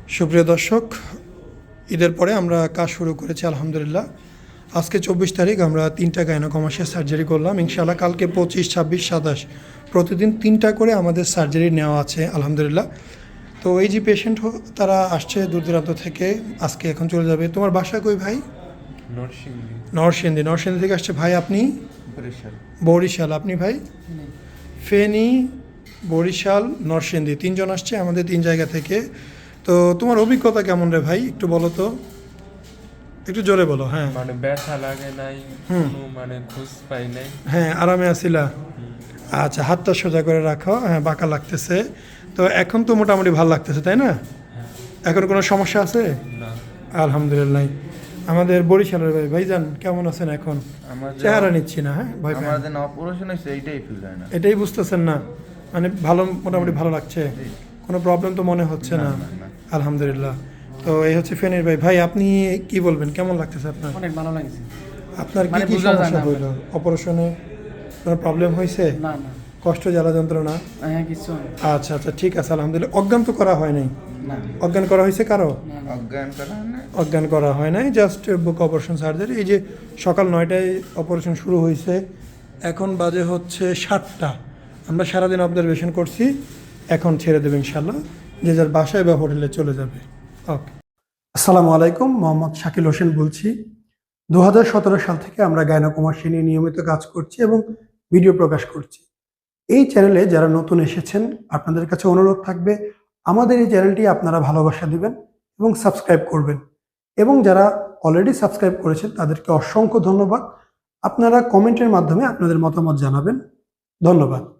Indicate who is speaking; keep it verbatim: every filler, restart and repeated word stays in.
Speaker 1: সুপ্রিয় দর্শক, ঈদের পরে আমরা কাজ শুরু করেছি আলহামদুলিল্লাহ। আজকে চব্বিশ তারিখ আমরা তিনটা গাইনোকমাসিয়া সার্জারি করলাম ইনশাআল্লাহ। কালকে পঁচিশ, ছাব্বিশ, সাতাশ প্রতিদিন তিনটা করে আমাদের সার্জারি নেওয়া আছে আলহামদুলিল্লাহ। তো এই যে পেশেন্ট তারা আসছে দূর দূরান্ত থেকে, আজকে এখন চলে যাবে। তোমার বাসা কই ভাই?
Speaker 2: নরসিংদী।
Speaker 1: নরসিংদী। নরসিংদী থেকে আসছে ভাই। আপনি?
Speaker 2: বরিশাল।
Speaker 1: বরিশাল। আপনি ভাই? ফেনী, বরিশাল, নরসিংদী, তিনজন আসছে আমাদের তিন জায়গা থেকে। তো তোমার অভিজ্ঞতা কেমন রে ভাই, একটু বলো তো, একটু জোরে বলো। হ্যাঁ
Speaker 2: মানে ব্যথা লাগে নাই, কোনো মানে ঘুষ পাই নাই।
Speaker 1: হ্যাঁ আরামে আছিলা? আচ্ছা, হাতটা সোজা করে রাখো। হ্যাঁ, বাঁকা লাগতেছে তো এখন তো মোটামুটি ভালো লাগতেছে, তাই না? এখন কোনো সমস্যা আছে?
Speaker 2: না।
Speaker 1: আলহামদুলিল্লাহ। আমাদের বরিশালের ভাই, ভাইজান কেমন আছেন এখন?
Speaker 2: আমার যে
Speaker 1: চেহারা নিচ্ছি না, হ্যাঁ ভাই,
Speaker 2: আমার যে অপারেশন হয়েছে এইটাই ফিল হয় না।
Speaker 1: এটাই বুঝতেছেন না? মানে ভালো, মোটামুটি ভালো লাগছে,
Speaker 2: জি।
Speaker 1: কোনো প্রবলেম তো মনে হচ্ছে
Speaker 2: না,
Speaker 1: না?
Speaker 2: না, না।
Speaker 1: আলহামদুলিল্লাহ। তো এই হচ্ছে ফেনীর ভাই। ভাই আপনি কি বলবেন, কেমন লাগতেছে আপনার?
Speaker 3: অনেক ভালো লাগছে।
Speaker 1: আপনার কি
Speaker 3: মানে
Speaker 1: কি
Speaker 3: বোঝা যায়
Speaker 1: সমস্যা
Speaker 3: না
Speaker 1: হইল অপারেশনে? কোনো প্রবলেম হয়েছে?
Speaker 3: না না
Speaker 1: কষ্ট, জ্বালা যন্ত্রণা?
Speaker 3: হ্যাঁ কিছু না।
Speaker 1: আচ্ছা আচ্ছা, ঠিক আছে আলহামদুলিল্লাহ। অজ্ঞান তো করা হয় নাই?
Speaker 3: না
Speaker 1: অজ্ঞান করা হয়েছে কারো?
Speaker 3: না
Speaker 2: অজ্ঞান করা না।
Speaker 1: অজ্ঞান করা হয় নাই, জাস্ট বুক অপারেশন সার্জারি। এই যে সকাল নয়টায় অপারেশন শুরু হয়েছে, এখন বাজে হচ্ছে সাতটা। আমরা সারাদিন অবজারভেশন করছি, এখন ছেড়ে দেবে ইনশাল্লাহ, যে যার বাসায় বা হোটেলে চলে যাবে। ওকে। আসসালামু আলাইকুম, মোহাম্মদ শাকিল হোসেন বলছি। দু হাজার সতেরো সাল থেকে আমরা গাইনোকমাসি নিয়ে নিয়মিত কাজ করছি এবং ভিডিও প্রকাশ করছি। এই চ্যানেলে যারা নতুন এসেছেন, আপনাদের কাছে অনুরোধ থাকবে আমাদের এই চ্যানেলটি আপনারা ভালোবাসা দিবেন এবং সাবস্ক্রাইব করবেন। এবং যারা অলরেডি সাবস্ক্রাইব করেছেন তাদেরকে অসংখ্য ধন্যবাদ। আপনারা কমেন্টের মাধ্যমে আপনাদের মতামত জানাবেন। ধন্যবাদ।